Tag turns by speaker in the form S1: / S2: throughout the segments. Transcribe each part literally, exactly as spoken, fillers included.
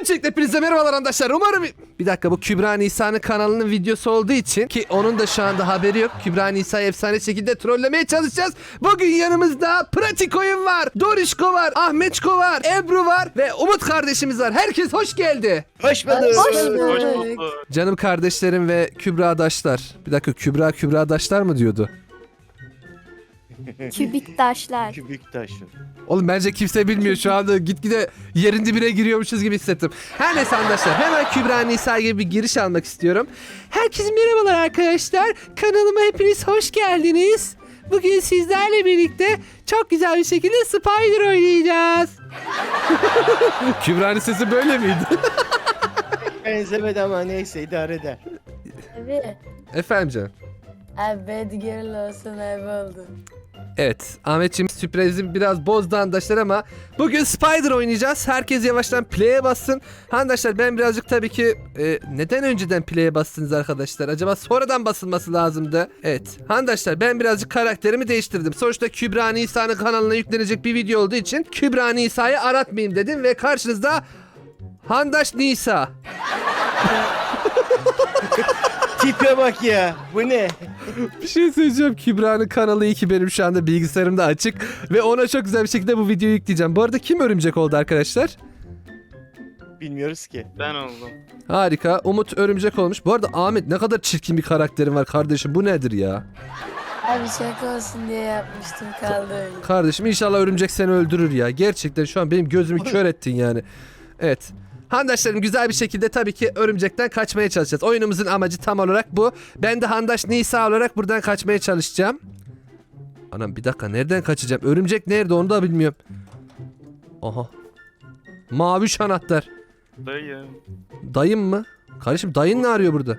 S1: Öncelikle hepinize merhabalar arkadaşlar. Umarım... Bir dakika, bu Kübra Nisa'nın kanalının videosu olduğu için ki onun da şu anda haberi yok. Kübra Nisa'yı efsane şekilde trollemeye çalışacağız. Bugün yanımızda Pratik Oyun var, Dorişko var, Ahmetçko var, Ebru var ve Umut kardeşimiz var. Herkes hoş geldi.
S2: Hoş bulduk.
S3: Hoş bulduk.
S1: Canım kardeşlerim ve Kübra'daşlar. Bir dakika, Kübra Kübra'daşlar mı diyordu?
S3: Kübik taşlar.
S2: Kübük taşı.
S1: Oğlum bence kimse bilmiyor, şu anda gitgide yerin dibine giriyormuşuz gibi hissettim. Her neyse arkadaşlar, hemen Kübra Nisa gibi bir giriş almak istiyorum. Herkese merhabalar arkadaşlar. Kanalıma hepiniz hoş geldiniz. Bugün sizlerle birlikte çok güzel bir şekilde Spider oynayacağız. Kübra'nın sesi böyle miydi?
S2: Benzemedi ama neyse idare eder.
S4: Abi,
S1: Efendim canım.
S4: abi bad girl olsun abi oldu.
S1: Evet, Ahmetciğim sürprizi biraz bozdu arkadaşlar ama bugün Spider oynayacağız. Herkes yavaştan play'e bassın. Arkadaşlar ben birazcık tabii ki e, neden önceden play'e bastınız arkadaşlar? Acaba sonradan basılması lazımdı. Evet, arkadaşlar ben birazcık karakterimi değiştirdim. Sonuçta Kübra Nisa'nın kanalına yüklenecek bir video olduğu için Kübra Nisa'yı aratmayayım dedim ve karşınızda Handaş Nisa.
S2: Tipe bak ya. Bu ne?
S1: Bir şey söyleyeceğim. Kübra'nın kanalı iyi ki benim şu anda bilgisayarımda açık ve ona çok güzel bir şekilde bu videoyu yükleyeceğim. Bu arada kim örümcek oldu arkadaşlar?
S2: Bilmiyoruz ki.
S5: Ben oldum.
S1: Harika. Umut örümcek olmuş. Bu arada Ahmet, ne kadar çirkin bir karakterin var kardeşim. Bu nedir ya?
S4: Abi şaka olsun diye yapmıştım, kaldı öyle.
S1: Kardeşim inşallah örümcek seni öldürür ya. Gerçekten şu an benim gözümü kör ettin yani. Evet. Handaşlarım güzel bir şekilde tabii ki örümcekten kaçmaya çalışacağız. Oyunumuzun amacı tam olarak bu. Ben de Handaş Nisa olarak buradan kaçmaya çalışacağım. Anam bir dakika, nereden kaçacağım? Örümcek nerede onu da bilmiyorum. Aha. Mavi anahtar.
S5: Dayım.
S1: Dayım mı? Kardeşim dayın ne arıyor burada?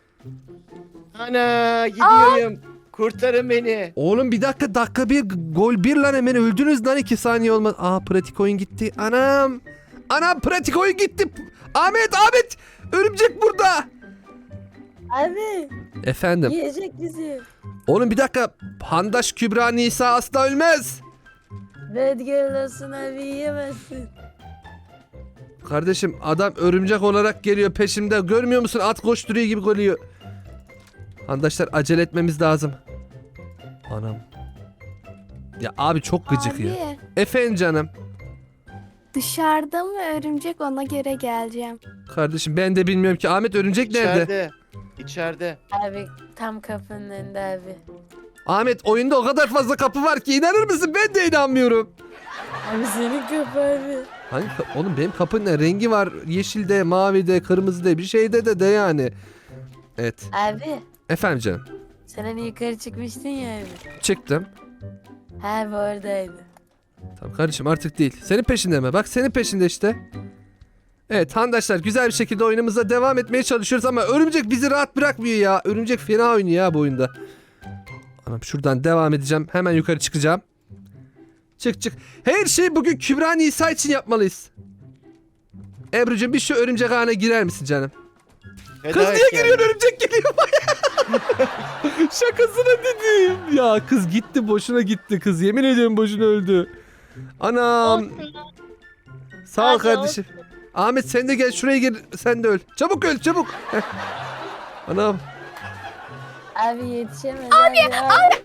S2: Ana gidiyorum. Kurtarın beni.
S1: Oğlum bir dakika, dakika bir gol bir lan, hemen öldünüz lan, iki saniye olmaz. Aa, pratik oyun gitti. Anam. Anam, pratik oyun gitti. Ahmet Ahmet. Örümcek burada.
S4: Abi
S1: Efendim.
S4: yiyecek bizi.
S1: Oğlum bir dakika. Handaş Kübra Nisa asla ölmez.
S4: Bad girl olsun abi, yiyemezsin.
S1: Kardeşim adam örümcek olarak geliyor peşimde. Görmüyor musun? At koşturuyor gibi geliyor. Handaşlar acele etmemiz lazım. Anam. Ya abi çok gıcık
S3: Abi,
S1: ya. Efendim canım.
S3: dışarıda mı örümcek, ona göre geleceğim.
S1: Kardeşim ben de bilmiyorum ki. Ahmet örümcek nerede?
S2: İçeride. İçeride.
S4: Abi tam kapının önünde abi.
S1: Ahmet oyunda o kadar fazla kapı var ki inanır mısın? Ben de inanmıyorum.
S4: Abi senin kapı abi.
S1: Hangi ka- Oğlum benim kapının ne rengi var? Yeşilde, mavide, kırmızıda, bir şeyde de de yani. Evet.
S4: Abi
S1: Efendim canım.
S4: sen hani yukarı çıkmıştın ya abi.
S1: Çıktım.
S4: Abi oradaydı.
S1: Tamam kardeşim, artık değil. Senin peşinde mi? Bak senin peşinde işte. Evet handaşlar, güzel bir şekilde oyunumuza devam etmeye çalışıyoruz ama örümcek bizi rahat bırakmıyor ya. Örümcek fena oynuyor ya bu oyunda. Anam şuradan devam edeceğim. Hemen yukarı çıkacağım. Çık çık. Her şeyi bugün Kübra Nisa için yapmalıyız. Ebru'cum bir şu örümcek ağına girer misin canım?
S2: Feda
S1: Kız
S2: et
S1: niye
S2: kendini.
S1: giriyor, örümcek geliyor. Şakasına dedim. Ya kız gitti, boşuna gitti kız. Yemin ediyorum boşuna öldü. Anam. Sağ ol
S4: Hadi
S1: kardeşim. Ahmet sen de gel şuraya gel, sen de öl. Çabuk öl çabuk. Heh. Anam.
S4: Abi yetişemez abi. Abi,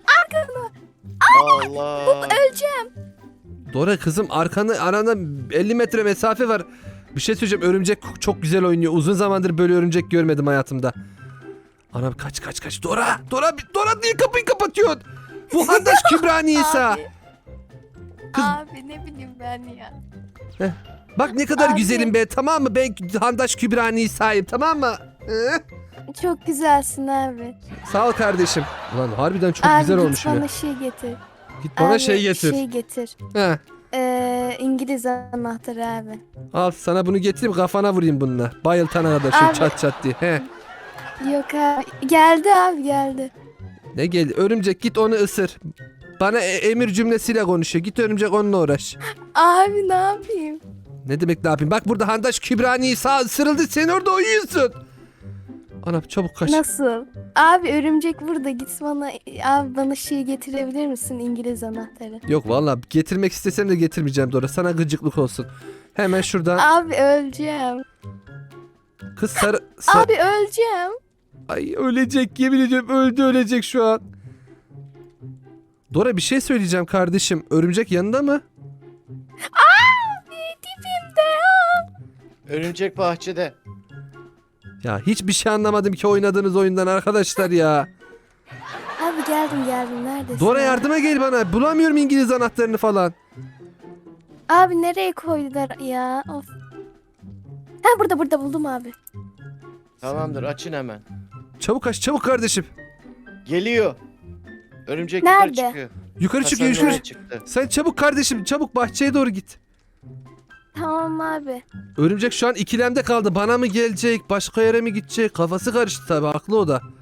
S2: Allah.
S1: Dora kızım, arkanı aranda elli metre mesafe var. Bir şey söyleyeceğim, örümcek çok güzel oynuyor. Uzun zamandır böyle örümcek görmedim hayatımda. Anam kaç kaç kaç. Dora Dora Dora niye kapıyı kapatıyorsun? Bu Handaş Kübra Nisa.
S3: Abi.
S1: Kız-
S3: Abi ne bileyim ben ya.
S1: Bak ne kadar
S3: Abi.
S1: güzelim be, tamam mı? Ben Handaş Kübra Nisa'yım, tamam mı? Ee?
S3: Çok güzelsin abi.
S1: Sağ ol kardeşim. Ulan harbiden çok
S3: abi
S1: güzel
S3: git
S1: olmuşum
S3: bana
S1: ya.
S3: şey getir.
S1: Git bana
S3: Abi,
S1: şey getir.
S3: Şey getir.
S1: He.
S3: Ee, İngiliz anahtarı abi.
S1: Al sana bunu getireyim, kafana vurayım bununla. Bayıltana kadar şöyle
S3: Abi.
S1: çat çat diye. He.
S3: Yok abi. Geldi abi geldi.
S1: Ne geldi? Örümcek git onu ısır. Bana e- emir cümlesiyle konuşuyor. Git örümcek onunla uğraş.
S3: Abi ne yapayım?
S1: Ne demek ne yapayım? Bak burada Handaş Kübra Nisa ısırıldı. Sen orada uyuyorsun. Anam çabuk kaç.
S3: Nasıl? Abi örümcek burada, git bana. Abi bana şey getirebilir misin, İngiliz anahtarı?
S1: Yok vallahi getirmek istesem de getirmeyeceğim Dora. Sana gıcıklık olsun. Hemen şuradan.
S3: Abi öleceğim.
S1: Kız sarı... sa-
S3: Abi öleceğim.
S1: Ay ölecek, yemin ediyorum öldü, ölecek şu an. Dora bir şey söyleyeceğim kardeşim. Örümcek yanında mı?
S3: Abi dibimde ya.
S2: Örümcek bahçede.
S1: Ya hiçbir şey anlamadım ki oynadığınız oyundan arkadaşlar ya.
S3: Abi geldim geldim neredesin?
S1: Dora yardıma gel bana. Bulamıyorum İngiliz anahtarını falan.
S3: Abi nereye koydular ya? Of. Ha burada burada buldum abi.
S2: Tamamdır, açın hemen.
S1: Çabuk aç, çabuk kardeşim.
S2: Geliyor. Örümcek
S3: Nerede?
S2: yukarı çıkıyor.
S1: Yukarı çık,
S2: Kasanın
S1: yukarı.
S2: oraya çıktı.
S1: Sen çabuk kardeşim, çabuk bahçeye doğru git.
S3: Tamam abi.
S1: Örümcek şu an ikilemde kaldı. Bana mı gelecek, başka yere mi gidecek? Kafası karıştı tabii, haklı o da.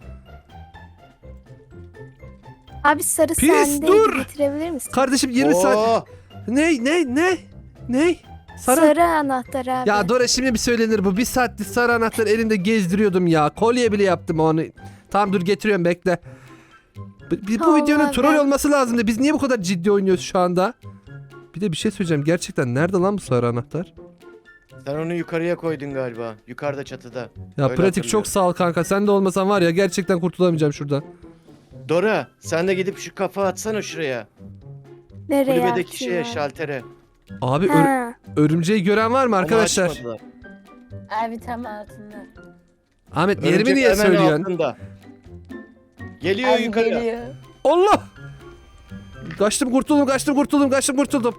S3: Abi sarı
S1: Pis,
S3: sende
S1: dur!
S3: getirebilir misin?
S1: Kardeşim yirmi
S2: Oo,
S1: saat... Ne, ne, ne? Ne? Sarı...
S3: Sarı anahtar abi.
S1: Ya Dora şimdi bir söylenir bu. Bir saattir sarı anahtar elimde gezdiriyordum ya. Kolye bile yaptım onu. Tamam dur getiriyorum, bekle. Bu, bu
S3: Tamam
S1: videonun
S3: abi.
S1: troll olması lazımdı. Biz niye bu kadar ciddi oynuyoruz şu anda? Bir de bir şey söyleyeceğim. Gerçekten nerede lan bu sarı anahtar?
S2: sen onu yukarıya koydun galiba. Yukarıda çatıda.
S1: Ya
S2: Öyle
S1: pratik
S2: hatırlıyorum.
S1: çok sağ ol kanka. Sen de olmasan var ya gerçekten kurtulamayacağım şuradan.
S2: Dora, sen de gidip şu kafa atsana şuraya.
S3: Nereye
S2: Kulübedeki
S3: atayım
S2: şeye,
S3: abi?
S2: şaltere.
S1: Abi ör-
S3: Ha.
S1: örümceği gören var mı
S2: Onu
S1: arkadaşlar?
S2: açmadılar.
S4: Abi tam altında.
S1: Ahmet yerimi
S2: Örümcek
S1: niye
S2: hemen
S1: söylüyorsun?
S2: altında. Geliyor
S4: Abi
S2: yukarıya.
S4: geliyor.
S1: Allah! Kaçtım kurtuldum, kaçtım kurtuldum, kaçtım kurtuldum.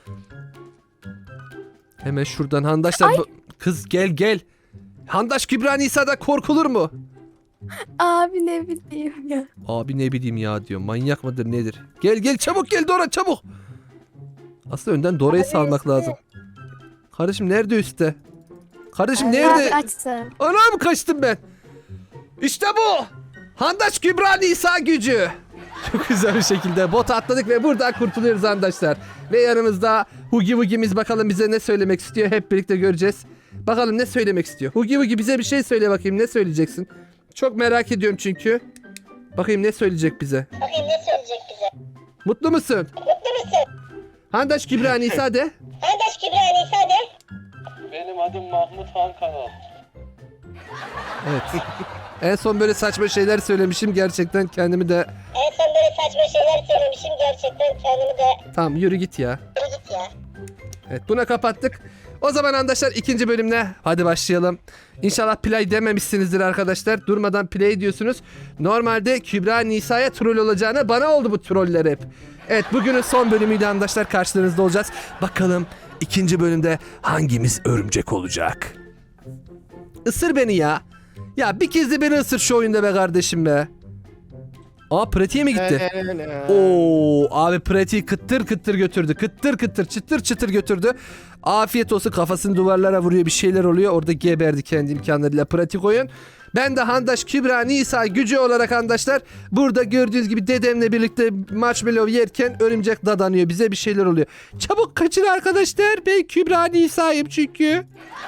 S1: Hemen şuradan Handaşlar... bu- Kız gel gel. Handaş Kübra Nisa'da korkulur mu?
S3: Abi ne bileyim ya.
S1: Abi ne bileyim ya diyor. Manyak mıdır nedir? Gel gel çabuk gel Dora çabuk. Aslında önden Dora'yı
S4: Abi
S1: salmak
S4: üstte.
S1: lazım. Kardeşim nerede üstte? Kardeşim
S4: Abi
S1: nerede?
S3: Abi açsın.
S1: Anam kaçtım ben. İşte bu. Handaş Kübra Nisa gücü. Çok güzel bir şekilde bot atladık ve buradan kurtuluyoruz arkadaşlar. Ve yanımızda Hugi Wugi'miz, bakalım bize ne söylemek istiyor, hep birlikte göreceğiz. Bakalım ne söylemek istiyor. Hugi Wugi bize bir şey söyle bakayım, ne söyleyeceksin? Çok merak ediyorum çünkü. Bakayım ne söyleyecek bize.
S5: Bakayım ne söyleyecek bize.
S1: Mutlu musun?
S5: Mutlu musun?
S1: Handaş Kübra Nisa de.
S5: Kardeş Kübra Nisa de.
S6: Benim adım Mahmut Han Kanal.
S1: Evet. En son böyle saçma şeyler söylemişim, gerçekten kendimi de...
S5: En son böyle saçma şeyler söylemişim. Gerçekten kendimi de
S1: Tamam yürü git ya.
S5: yürü git ya.
S1: Evet buna kapattık. O zaman arkadaşlar ikinci bölümle hadi başlayalım. İnşallah play dememişsinizdir arkadaşlar. Durmadan play diyorsunuz. Normalde Kübra Nisa'ya troll olacağına bana oldu bu troller hep. Evet bugünün son bölümüyle arkadaşlar karşılarınızda olacağız. Bakalım ikinci bölümde hangimiz örümcek olacak? Isır beni ya. Ya bir kez de beni ısır şu oyunda be kardeşim be. Aa pratiğe mi gitti? Oo abi pratiği kıttır kıttır götürdü. Kıttır kıttır çıtır çıtır götürdü. Afiyet olsun, kafasını duvarlara vuruyor, bir şeyler oluyor. Orada geberdi kendi imkanlarıyla pratik oyun. Ben de Handaş Kübra Nisa gücü olarak arkadaşlar burada gördüğünüz gibi dedemle birlikte marshmallow yerken örümcek dadanıyor. Bize bir şeyler oluyor. Çabuk kaçın arkadaşlar. Ben Kübra Nisa'yım çünkü.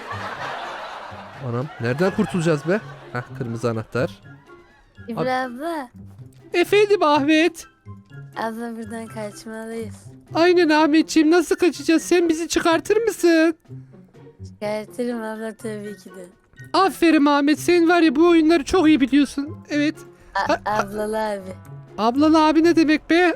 S1: Anam nereden kurtulacağız be? Hah kırmızı anahtar.
S4: İbrahim abla.
S1: Efendim Ahmet.
S4: Abla buradan kaçmalıyız.
S1: Aynen Ahmetciğim, nasıl kaçacağız? Sen bizi çıkartır mısın?
S4: Çıkartırım abla tabii ki de.
S1: Aferin Ahmet, sen var ya bu oyunları çok iyi biliyorsun. Evet.
S4: A- ablalı abi.
S1: Ablalı abi ne demek be?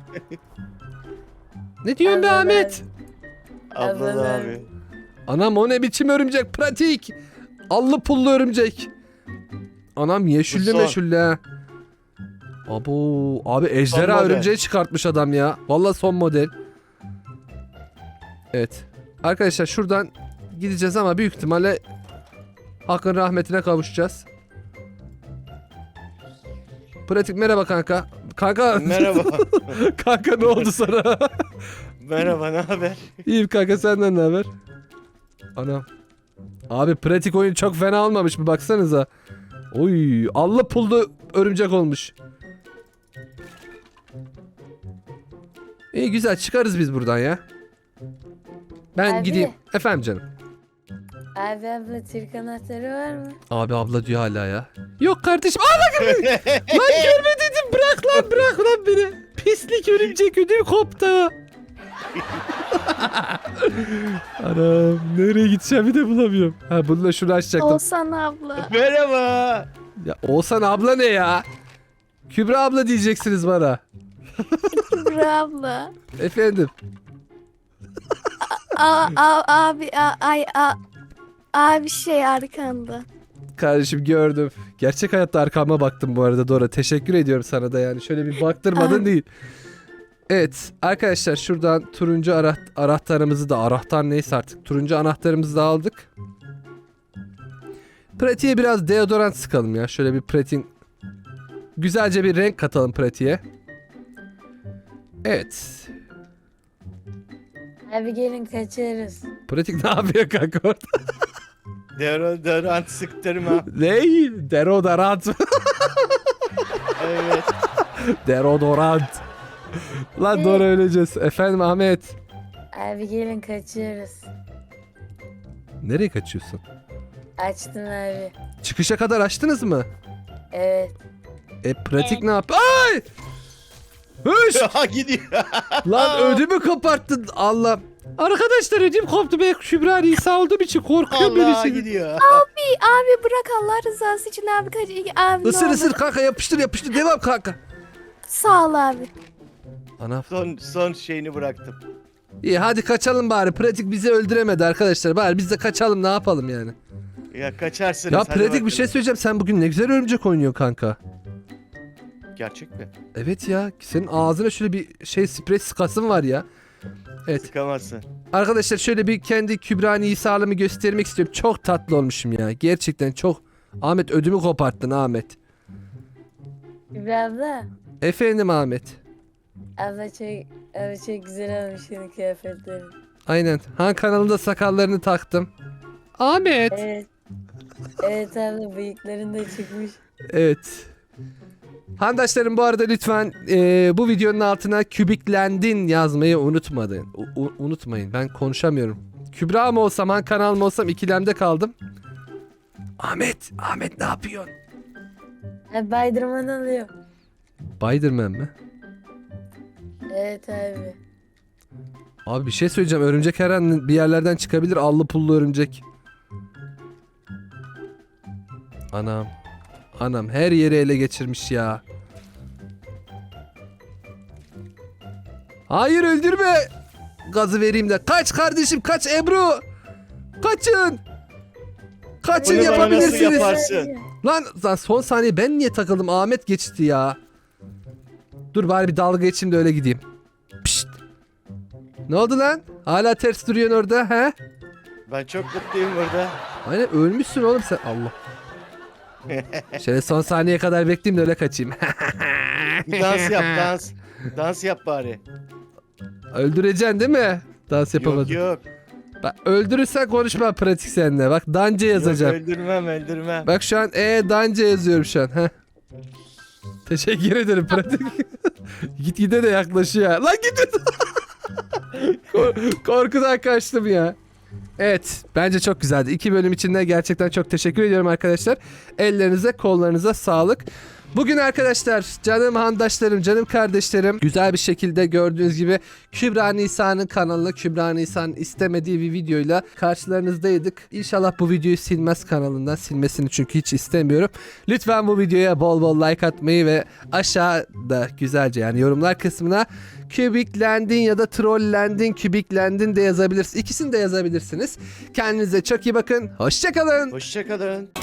S1: Ne diyorsun be
S4: Ablalı
S1: Ahmet?
S2: Ablalı
S4: Ablalı
S2: abi.
S1: Anam o ne biçim örümcek, pratik. Allı pullu örümcek. Anam yeşilli
S2: Bu son.
S1: meşulli ha. Abo abi ejderha
S2: model.
S1: örümceği çıkartmış adam ya. Vallahi son model. Evet. Arkadaşlar şuradan gideceğiz ama büyük ihtimalle Hakkın rahmetine kavuşacağız. Pratik merhaba kanka. Kanka.
S2: Merhaba.
S1: Kanka ne oldu sana?
S2: Merhaba, ne haber?
S1: İyiyim kanka, senden ne haber? Ana. Abi pratik oyun çok fena olmamış mı, baksanıza. Oy, allı pullu örümcek olmuş. İyi güzel, çıkarız biz buradan ya. Ben
S4: Abi.
S1: gideyim. Efendim canım.
S4: Abi abla Türk anahtarı var mı?
S1: Abi abla diyor hala ya. Yok kardeşim. Aa bak. Lan görme dedim, bırak lan bırak lan beni. Pislik örümcek ödüm koptu. Anam nereye gideceğimi de bulamıyorum. Ha bununla şunu açacaktım.
S3: Oğuzhan abla.
S2: Merhaba.
S1: Ya Oğuzhan abla ne ya? Kübra abla diyeceksiniz bana.
S3: Kübra abla.
S1: Efendim.
S3: A, a, abi a, ay a, abi şey arkanda.
S1: Kardeşim gördüm. Gerçek hayatta arkama baktım bu arada Dora. Teşekkür ediyorum sana da yani. Şöyle bir baktırmadın
S3: Ay.
S1: değil. Evet arkadaşlar şuradan turuncu ara anahtarımızı da anahtar neyse artık. Turuncu anahtarımızı da aldık. Pratiğe biraz deodorant sıkalım ya. Şöyle bir pratiğin güzelce bir renk katalım pratiğe. Evet.
S4: Abi gelin kaçarız.
S1: Pratik ne yapıyor kanka orada?
S2: Deodorant sıktırma.
S1: Ney? Deodorant.
S2: Evet.
S1: Deodorant. Lan doğru öleceğiz. Efendim Ahmet.
S4: Abi gelin kaçıyoruz.
S1: Nereye kaçıyorsun?
S4: Açtım abi.
S1: Çıkışa kadar açtınız mı?
S4: Evet.
S1: E pratik ne yap? Ay! Hış!
S2: Ha gidiyor.
S1: Lan ödümü koparttın Allah. Arkadaşlar ödüm koptu. Ben Kübra Nisa olduğum için korkuyorum
S2: Allah
S1: birisi.
S2: gidiyor.
S3: Abi, abi bırak Allah rızası için abi kaç abi ne
S1: Isır
S3: olur.
S1: ısır kanka yapıştır yapıştır devam kanka.
S3: Sağ ol abi.
S1: Ana.
S2: Son son şeyini bıraktım.
S1: İyi hadi kaçalım bari. Pratik bizi öldüremedi arkadaşlar. Bari biz de kaçalım ne yapalım yani.
S2: Ya kaçarsınız.
S1: Ya
S2: hadi
S1: Pratik bir
S2: bakalım.
S1: şey söyleyeceğim. Sen bugün ne güzel örümcek oynuyor kanka.
S2: Gerçek mi?
S1: Evet ya. Senin ağzına şöyle bir şey sprey sıkasın var ya. Evet.
S2: Sıkamazsın.
S1: Arkadaşlar şöyle bir kendi Kübra Nisa'lımı göstermek istiyorum. Çok tatlı olmuşum ya. Gerçekten çok. Ahmet ödümü koparttın Ahmet.
S4: Kübra abla.
S1: Efendim Ahmet.
S4: Abla çok, abi çok güzel olmuş senin kıyafetlerin.
S1: Aynen. Han kanalında sakallarını taktım. Ahmet.
S4: Evet. Evet abla bıyıkların da çıkmış.
S1: Evet. Handaşlarım bu arada lütfen e, bu videonun altına kübiklendin yazmayı unutmayın. U- u- unutmayın. Ben konuşamıyorum. Kübra mı olsam, Han kanal mı olsam ikilemde kaldım. Ahmet, Ahmet ne yapıyorsun?
S4: Abi baydırman alıyor.
S1: Spiderman mi?
S4: Evet abi.
S1: Abi bir şey söyleyeceğim. Örümcek her an bir yerlerden çıkabilir. Allı pullu örümcek. Anam. Anam her yeri ele geçirmiş ya. Hayır öldürme. Gazı vereyim de. Kaç kardeşim kaç Ebru. Kaçın. Kaçın
S2: Bunu bana nasıl
S1: yapabilirsiniz.
S2: yaparsın?
S1: Lan, lan son saniye ben niye takıldım? Ahmet geçti ya. Dur bari bir dalga geçeyim de öyle gideyim. Pişt. Ne oldu lan? Hala ters duruyorsun orada he?
S2: Ben çok mutluyum burada.
S1: Aynen ölmüşsün oğlum sen. Allah. Şöyle son saniyeye kadar bekleyeyim de öyle kaçayım.
S2: Bir dans yap dans. Dans yap bari.
S1: Öldüreceksin değil mi? Dans
S2: Yok
S1: yapamadın.
S2: yok.
S1: Bak öldürürsen konuşma pratik seninle. Bak Dance yazacağım.
S2: Yok öldürmem öldürmem.
S1: Bak şu an e Dance yazıyorum şu an. Heh. Teşekkür ederim pratik. Git gide de yaklaşıyor. ya. Lan git. Kork- Korkudan kaçtım ya. Evet bence çok güzeldi. İki bölüm içinde gerçekten çok teşekkür ediyorum arkadaşlar. Ellerinize kollarınıza sağlık. Bugün arkadaşlar canım handaşlarım, canım kardeşlerim güzel bir şekilde gördüğünüz gibi Kübra Nisa'nın kanalına Kübra Nisa'nın istemediği bir videoyla karşılarınızdaydık. İnşallah bu videoyu silmez kanalından, silmesini çünkü hiç istemiyorum. Lütfen bu videoya bol bol like atmayı ve aşağıda güzelce yani yorumlar kısmına kübiklendin ya da trollendin, kübiklendin de yazabilirsiniz. İkisini de yazabilirsiniz. Kendinize çok iyi bakın. Hoşça kalın.
S2: Hoşçakalın.